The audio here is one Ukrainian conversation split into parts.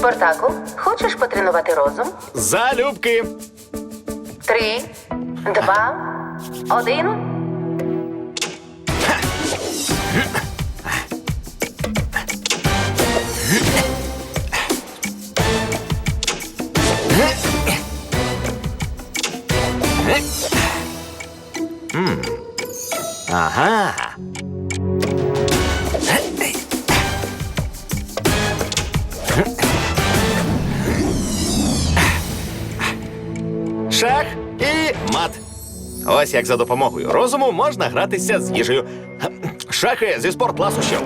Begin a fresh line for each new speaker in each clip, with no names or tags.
Спартаку, хочеш потренувати розум?
Залюбки.
3, 2, 1.
Ага. Шах і мат. Ось як за допомогою розуму можна гратися з їжею. Шахи зі спортласощів.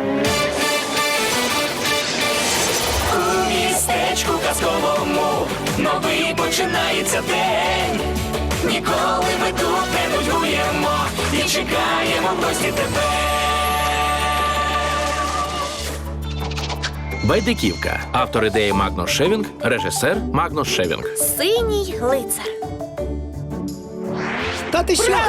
У містечку казковому новий починається день. Ніколи ми тут не нудьгуємо і чекаємо в гості тебе.
Байдиківка. Автор ідеї Магнус Шевінг, режисер Магнус Шевінг.
Синій лицар.
Та ти що?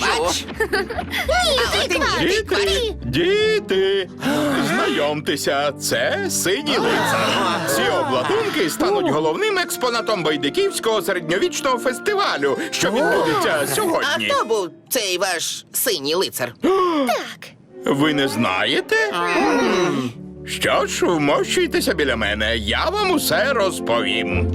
Діти, знайомтеся, це синій лицар. Ці обладунки стануть головним експонатом Байдиківського середньовічного фестивалю, що відбудеться сьогодні.
Хто був цей ваш синій лицар?
Ви не знаєте? Що ж, вмощуйтеся біля мене, я вам усе розповім.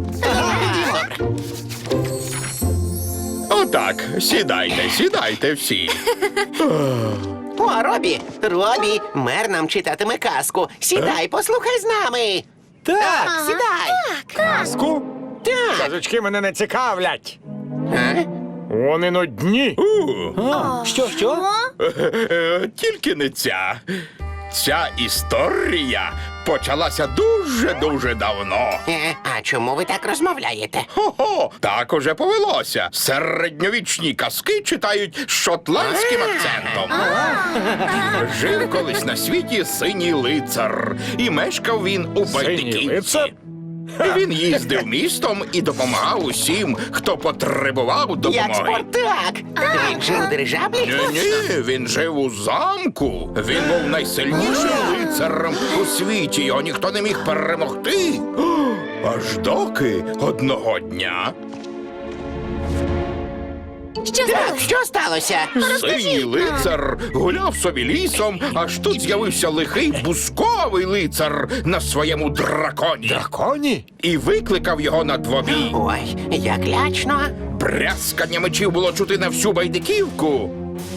Отак, сідайте всі.
О, Робі, мер нам читатиме казку. Сідай, послухай з нами.
Так.
Сідай.
Казку?
Так.
Казочки мене не цікавлять.
А?
Вони нудні.
Що?
Тільки не ця. Ця історія почалася дуже давно.
А чому ви так розмовляєте?
Хо-хо, так уже повелося. Середньовічні казки читають з шотландським акцентом. Жив колись на світі синій лицар, і мешкав він у
Синій
Байдиківці.
лицар?
Він їздив містом і допомагав усім, хто потребував
Як
допомоги.
Спартак. Він жив у дирижаблі?
Ні, він жив у замку. Він був найсильнішим лицарем у світі. Його ніхто не міг перемогти. Аж доки одного дня
Що сталося?
синій лицар гуляв собі лісом, аж тут з'явився лихий бусковий лицар на своєму драконі.
Драконі?
І викликав його на двобій.
Ой, як лячно.
Брязкання мечів було чути на всю Байдиківку.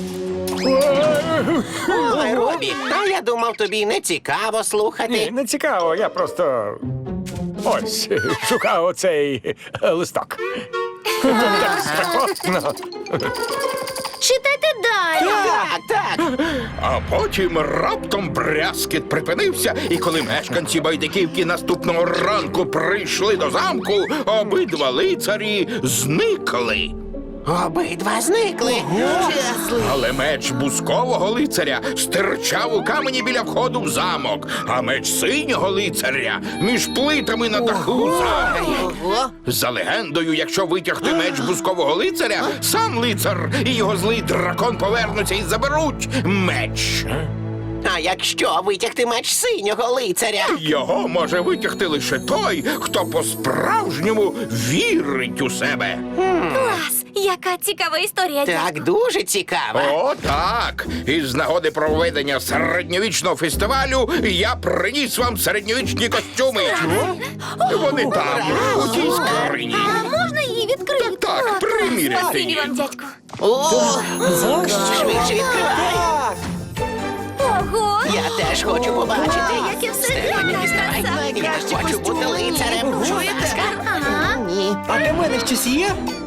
Ой, Робі, а я думав, тобі не цікаво
Ні,
слухати.
не цікаво, я просто. Ось, шукав оцей листок. Так спекотно.
Читайте далі.
Так.
А потім раптом брязкіт припинився, і коли мешканці Байдиківки наступного ранку прийшли до замку, обидва лицарі зникли.
Обидва зникли.
Але меч бускового лицаря стирчав у камені біля входу в замок, а меч синього лицаря між плитами на даху замку.
Ого.
За легендою, якщо витягти меч бускового лицаря, сам лицар і його злий дракон повернуться і заберуть меч.
А якщо витягти меч синього лицаря?
Його може витягти лише той, хто по-справжньому вірить у себе.
Клас! Яка цікава історія.
Так, дуже цікаво.
О, так! Із нагоди проведення середньовічного фестивалю я приніс вам середньовічні костюми. Вони там, у тій скрині.
А можна її відкрити?
Так, приміряйте
Спасибі
її.
вам, дядьку.
О, швидше відкривай.
Ого!
Я теж хочу побачити.
Яке все
Стефані,
гарне,
діставай.
краса.
Я хочу бути лицарем. Чуєте?
Ага.
Ні.
А для мене щось є?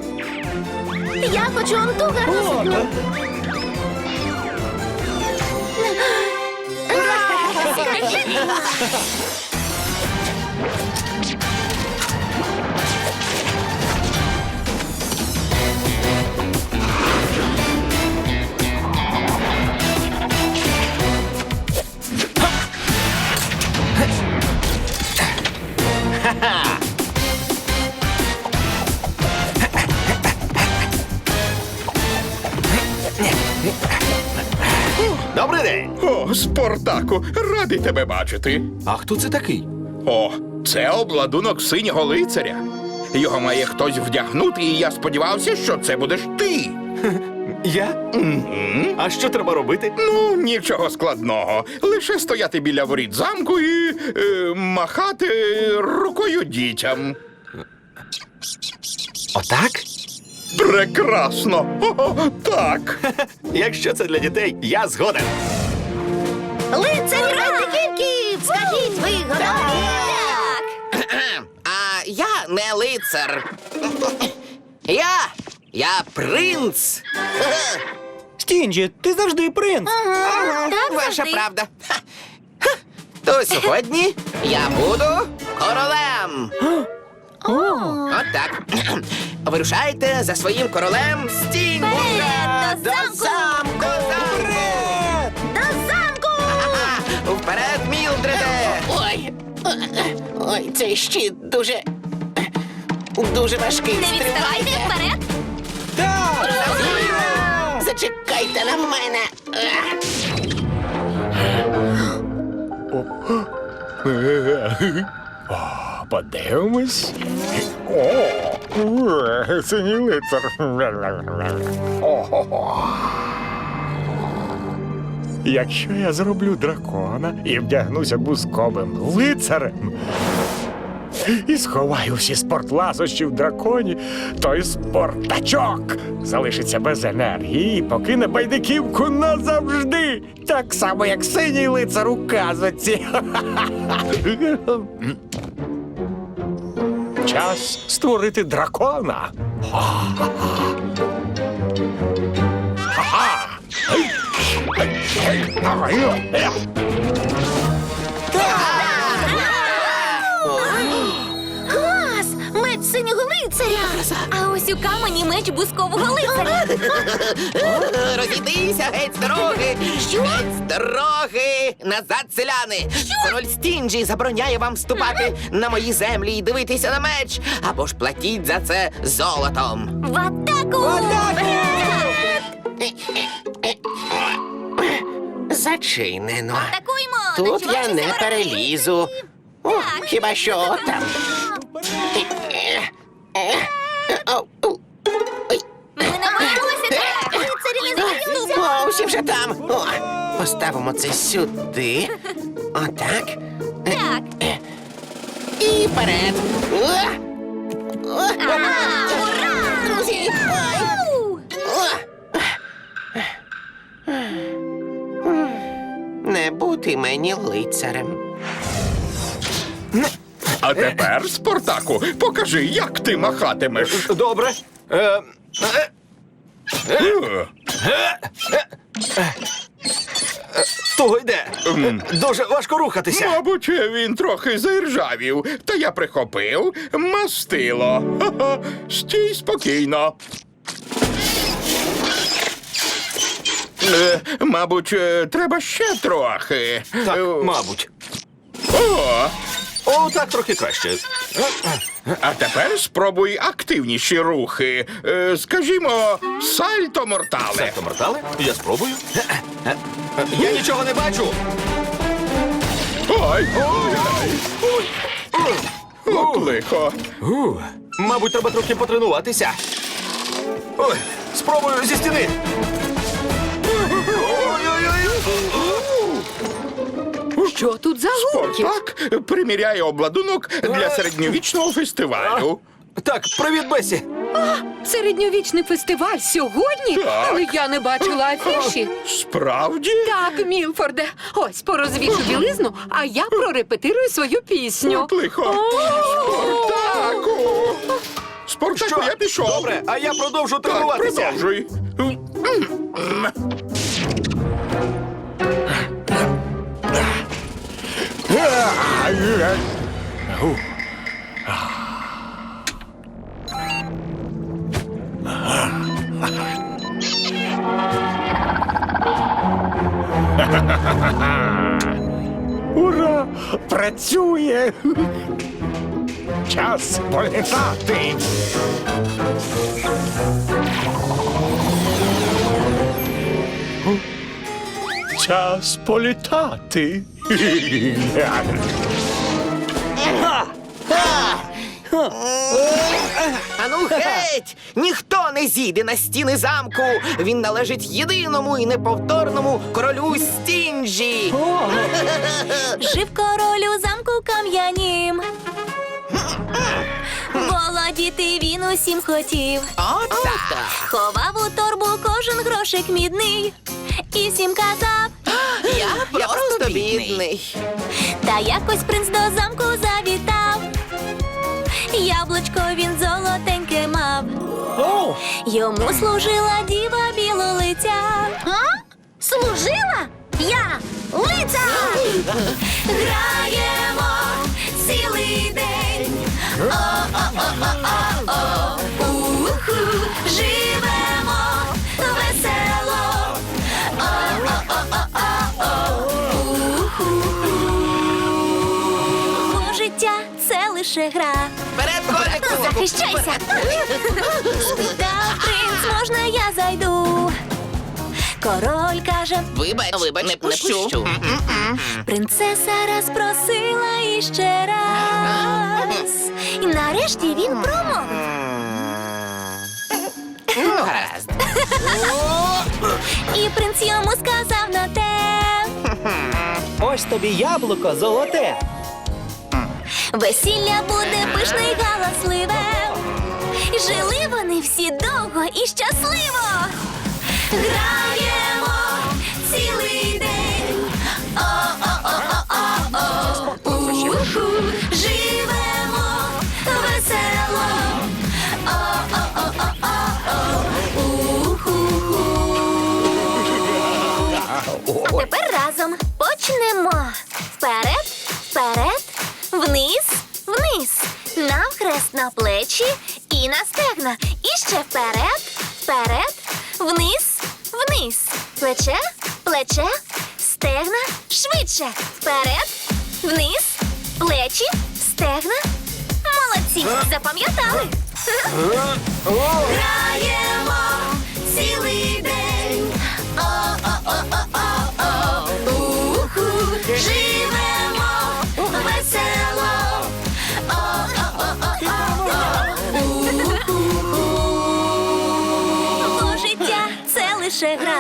Я хочу он ту гарну сукню.
Добрий день.
О, Спартаку, радий тебе бачити.
А хто це такий?
О, Це обладунок синього лицаря. Його має хтось вдягнути, і я сподівався, що це будеш ти.
Я? А що треба робити?
Ну, нічого складного. Лише стояти біля воріт замку і махати рукою дітям.
Отак?
Прекрасно! О, так.
Якщо це для дітей, я згоден.
Лицарі Рандиківки! Скажіть, ви готові?
А я не лицар. Я принц.
Стінджі, ти завжди принц.
Так,
Ваша
завжди.
правда. То сьогодні я буду королем. От так. Вирушайте за своїм королем Стінджі.
Вперед, до замку!
замку!
До замку!
Ага, вперед, Мілдреде!
Ой, цей щит дуже важкий.
Не відставайте вперед!
Зачекайте на мене.
Подивимось. Синій лицар. Якщо я зроблю дракона і вдягнуся бузковим лицарем і сховаю всі спортласощі в драконі, той спортачок залишиться без енергії і покине байдиківку назавжди. Так само, як синій лицар у казоці. Час створити дракона.
Клас! Меч синього лицаря! А ось у камені меч бузкового лицаря!
Розійдися геть з дороги! Геть з дороги! Назад, селяни! Король Стінджі забороняє вам вступати на мої землі і дивитися на меч, або ж платіть за це золотом.
В атаку!
Зачинено.
Атакуймо!
Тут я
Начувайтеся,
не
вороги!
перелізу. О, хіба що там.
Ми намагалися так! Лицарі не захисту!
О, всі вже там. О, поставимо це сюди. Отак.
Так!
І вперед.
Ага, ура!
Друзі,
Ау!
не бути мені лицарем.
А тепер, Спартаку, покажи, як ти махатимеш.
Добре. Того йде. Дуже важко рухатися.
Мабуть, він трохи заіржавів, та я прихопив мастило. Ха-ха. Стій спокійно. Мабуть, треба ще трохи.
Так, мабуть.
О,
О, так трохи краще.
а тепер спробуй активніші рухи. Скажімо, сальто мортале.
Сальто мортале? Я спробую. Я нічого не бачу.
Ой, от лихо.
Мабуть, треба трохи потренуватися. Ой, спробую зі стіни.
Що тут за гуркіт?
Спартак приміряє обладунок для середньовічного фестивалю.
Так, привіт, Бесі.
Середньовічний фестиваль сьогодні?
Так.
Але я не бачила афіші.
Справді?
Так, Мілфорде, ось порозвішу білизну, а я прорепетирую свою пісню.
От лихо. Спартаку! Спартаку, я пішов.
Добре, а я продовжу
Так,
тренуватися.
продовжуй.
Ура! Працює! Час політати! Час політати!
Ану геть! Ніхто не зійде на стіни замку! Він належить єдиному і неповторному королю Стінджі!
Жив король у замку кам'янім. Володіти він усім хотів.
Отак!
Ховав у торбу кожен грошик мідний. І всім казав,
Я просто бідний.
та якось принц до замку завітав. Яблучко він золотеньке мав. Йому служила діва білолиця. Служила? Я лиця! Граємо цілий день. О-о-о-о-о-о. Уху. Живемо весело. О-о-о-о-о-о. Уху. Бо життя це лише гра.
Вперед, корику!
Захищайся! Спитав принц, можна я зайду? Король каже,
Вибач, не пущу.
принцеса раз просила іще раз. І нарешті він промовив.
Гаразд.
І принц йому сказав на те.
Ось тобі яблуко золоте.
Весілля буде пишне й галасливе. І жили вони всі довго і щасливо. Граємо цілий день. О-о-о-о-о-о. Уху. Живемо весело. О-о-о-о-о-о. Уху. А тепер разом почнемо. Вперед, вперед, вниз, вниз. Навхрест на плечі і на стегна. І ще вперед, вперед, вниз, вниз. Плече, плече, стегна, швидше. Вперед, вниз, плечі, стегна. Молодці, запам'ятали? Граємо цілий день. О-о-о-о-о-о. Уху. Живемо весело. О-о-о-о-о-о. Уху. Бо життя це лише гра.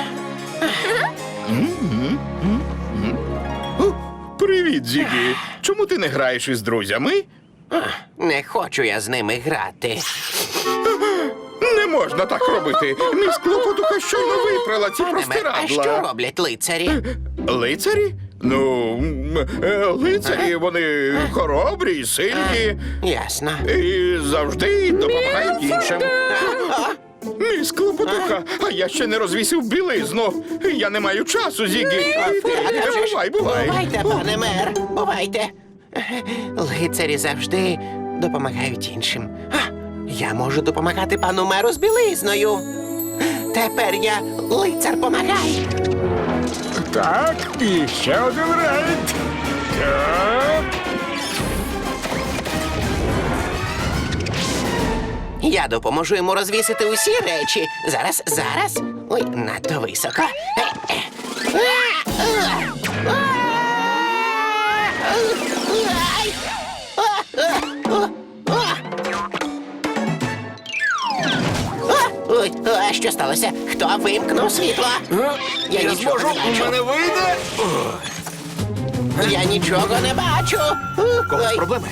Привіт, Зігі. Чому ти не граєш із друзями?
Не хочу я з ними грати.
Не можна так робити. Міс Клопотуха щойно випрала ці
А що
простирадла.
роблять лицарі?
Лицарі? Ну, лицарі, вони хоробрі і сильні.
Ясно.
І завжди допомагають іншим. Міс Клопотуха, а я ще не розвісив білизну. Я не маю часу, Зігі. Бувай, бувай.
Бувайте, пане мер, бувайте. Лицарі завжди допомагають іншим. Я можу допомагати пану меру з білизною. Тепер я лицар помагай.
Так, і ще один рейд. Так.
Я допоможу йому розвісити усі речі. Зараз. Ой, надто високо. Ой, а що сталося? Хто вимкнув світло? Я нічого не бачу.
вийде?
Я нічого не бачу.
Когось
Ой.
проблеми?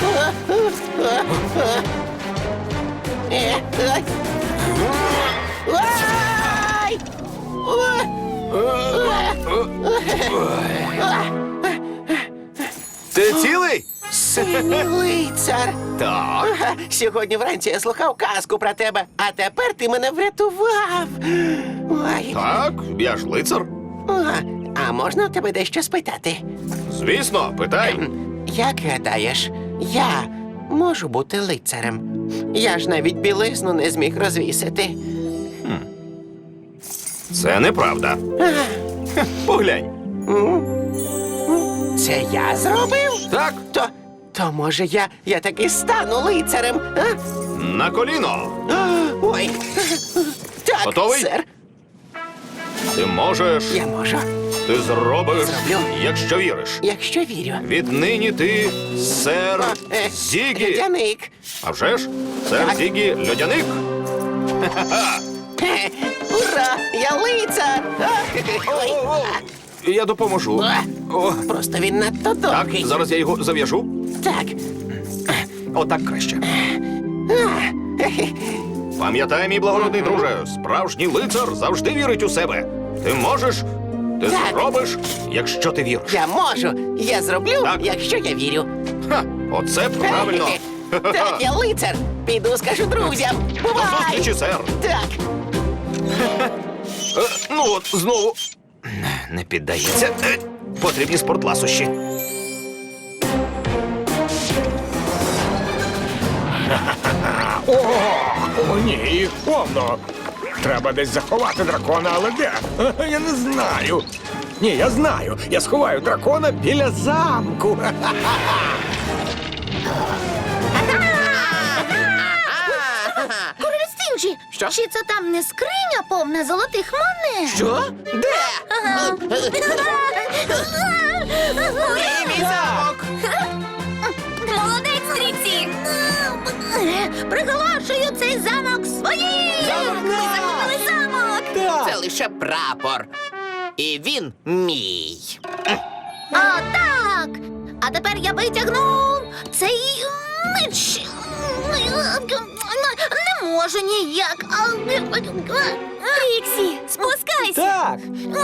Ой.
Ти цілий?
Синій лицар.
Так.
Сьогодні вранці я слухав казку про тебе, а тепер ти мене врятував. Ой.
Так, я ж лицар.
А можна у тебе дещо спитати?
Звісно, питай.
Як гадаєш, я можу бути лицарем? Я ж навіть білизну не зміг розвісити.
Це неправда. Поглянь.
Це я зробив?
Так,
То може я таки стану лицарем? А?
на коліно.
Ой. Так,
Готовий?
сер.
Ти можеш.
Я можу.
Ти зробиш,
Зроблю.
якщо віриш.
Якщо вірю.
Віднині ти сер Зігі.
Льодяник.
А вже ж, сер Зігі Льодяник.
Ура! Я лицар! Ой.
Я допоможу. О,
Просто він надто
так,
довгий.
зараз я його зав'яжу.
Так.
Отак краще. Пам'ятай, мій благородний друже, справжній лицар завжди вірить у себе. Ти можеш, ти
Так.
зробиш, якщо ти віриш.
Я можу. Я зроблю,
Так.
якщо я вірю.
Ха, оце правильно.
Так, я лицар. Піду скажу друзям.
До
Бувай!
зустрічі, сер.
Так.
Ну от, знову. Не піддається. Потрібні спортласощі.
О, ні, їх повно. Треба десь заховати дракона, але де? Я не знаю. Ні, я знаю. Я сховаю дракона біля замку.
Король Стінджі,
Що?
чи це там не скриня повна золотих монет?
Що? Де?
Мій замок! Молодець, Тріксі! Приголошую цей замок своїм! Ми захопили замок!
Це лише прапор. І він мій.
О, так! А тепер я витягну цей меч. Не можу ніяк. Тріксі, спускайся!
Так.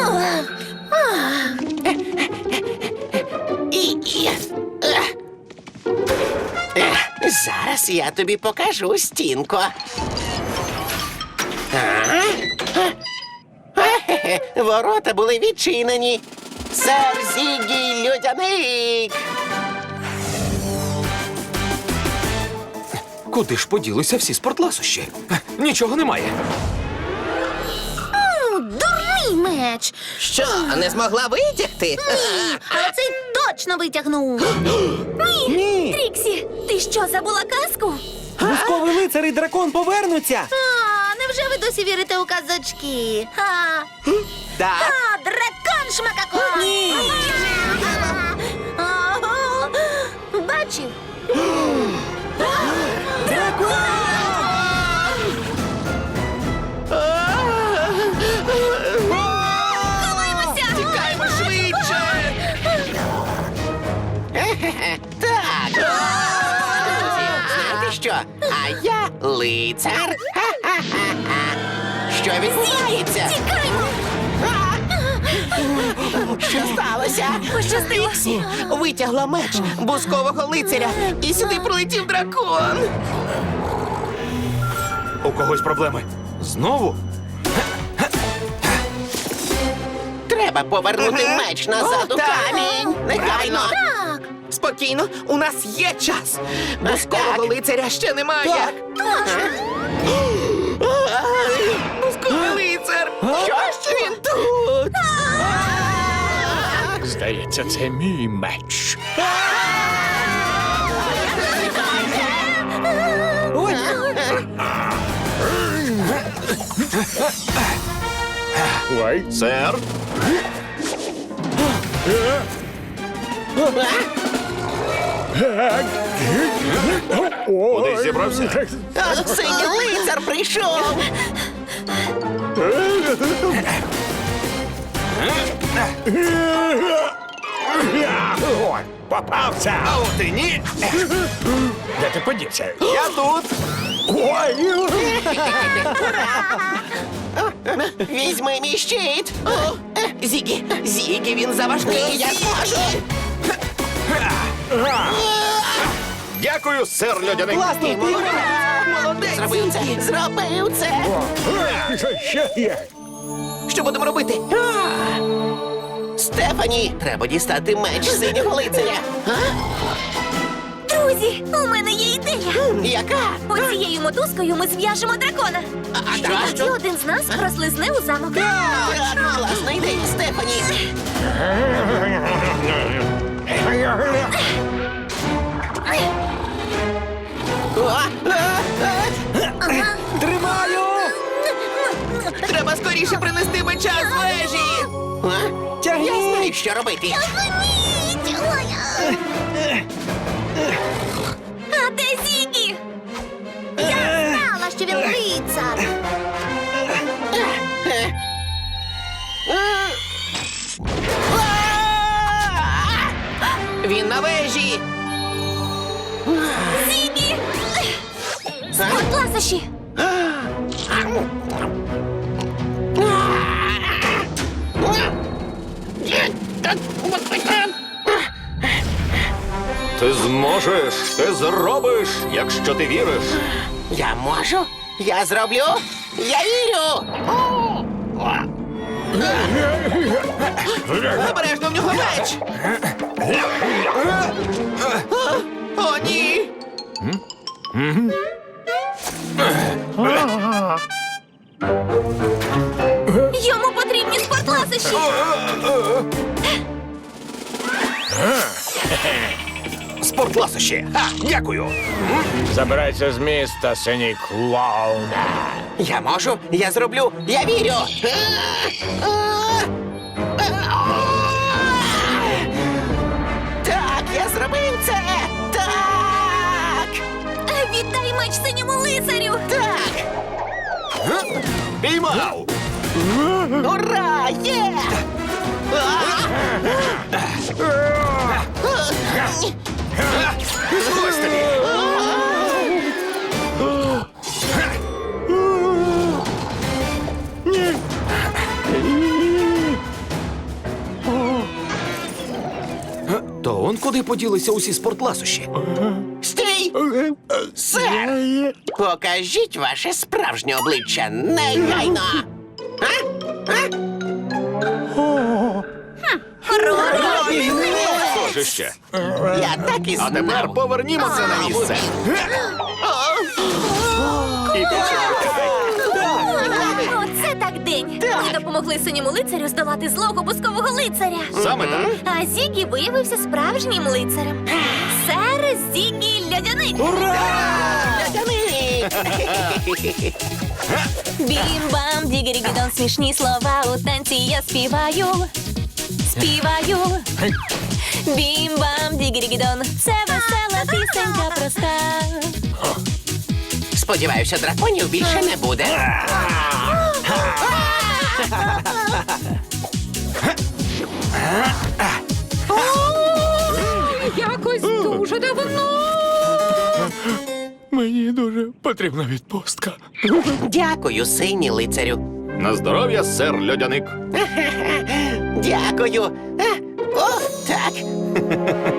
Зараз я тобі покажу, Стінко. Ворота були відчинені. Сер Зігі Льодяник.
Куди ж поділися всі спортласощі? Нічого немає.
Дурний меч!
Що, не змогла витягти?
Ні, але цей точно витягнув. Ні! Тріксі, ти що, забула казку?
Бузковий лицар і дракон повернуться.
Невже ви досі вірите у казочки?
Так.
Дракон шмакакон! Ні! Бачив? Ховаймося!
Тікаймо швидше. Так. Друзі, знаєте що? А я лицар. Що відбувається?
Тікаймо!
Що сталося?
Пощастило!
Витягла меч бузкового лицаря, і сюди прилетів дракон.
У когось проблеми. Знову?
Треба повернути меч назад у камінь. Негайно.
Так!
Спокійно, у нас є час. Бузкового лицаря ще немає. Бузковий лицар! Що він тут?
Здається, це мій меч. Ой.
Сер? Куди зібрався?
Синій лицар прийшов.
Ой, попався.
А от і ні.
Де ти подівся?
Я тут.
Ой.
Візьми мій щит.
Зігі, він заважкий, я зможу.
Дякую, сер Льодяник.
Класно,
Молодець,
Зробив це.
Зігі.
Зробив це.
Ще є.
Що будемо робити?
Стефані, треба дістати меч синього лицаря.
Друзі, у мене є ідея!
Яка?
Оцією мотузкою ми зв'яжемо дракона.
А
Тоді один з нас прослизне у замок.
Точно, класна ідея, Стефані.
Тримаю!
Треба скоріше принести меча з вежі.
Тягніть!
знаю, що робити.
Зупиніть! А де Зігі? Я знала, що він лицар.
Він на вежі.
Зігі! Спортласощі!
Ти зможеш, ти зробиш, якщо ти віриш.
Я можу, я зроблю, я вірю.
Обережно, в нього меч. О, ні.
Йому потрібні спортласощі!
Спортласощі. Дякую.
Забирайся з міста, синій клоун.
Я можу, я зроблю, я вірю. Так, я зробив це. Так.
Віддай меч синьому лицарю!
Так.
Піймав.
Ура! Є!
Ось тобі.
То он куди поділися усі спортласощі?
Стій! Сер! Покажіть ваше справжнє обличчя негайно!
Схоже ще.
Я так і
А тепер
знав.
повернімося на місце. І більше не втікайте.
Оце так день! Ми допомогли синьому лицарю здолати злого бускового лицаря.
Саме так.
А Зігі виявився справжнім лицарем. Сер Зігі Льодяник! Бім-бам, дігері-гідон, смішні слова у танці я співаю. Співаю. Бім-бам, дігері-гідон, це весела пісенька проста.
Сподіваюся, драконів більше не буде.
Якось дуже давно.
Мені дуже потрібна відпустка.
Дякую, синій лицарю.
На здоров'я, сер Льодяник.
Дякую. О, так.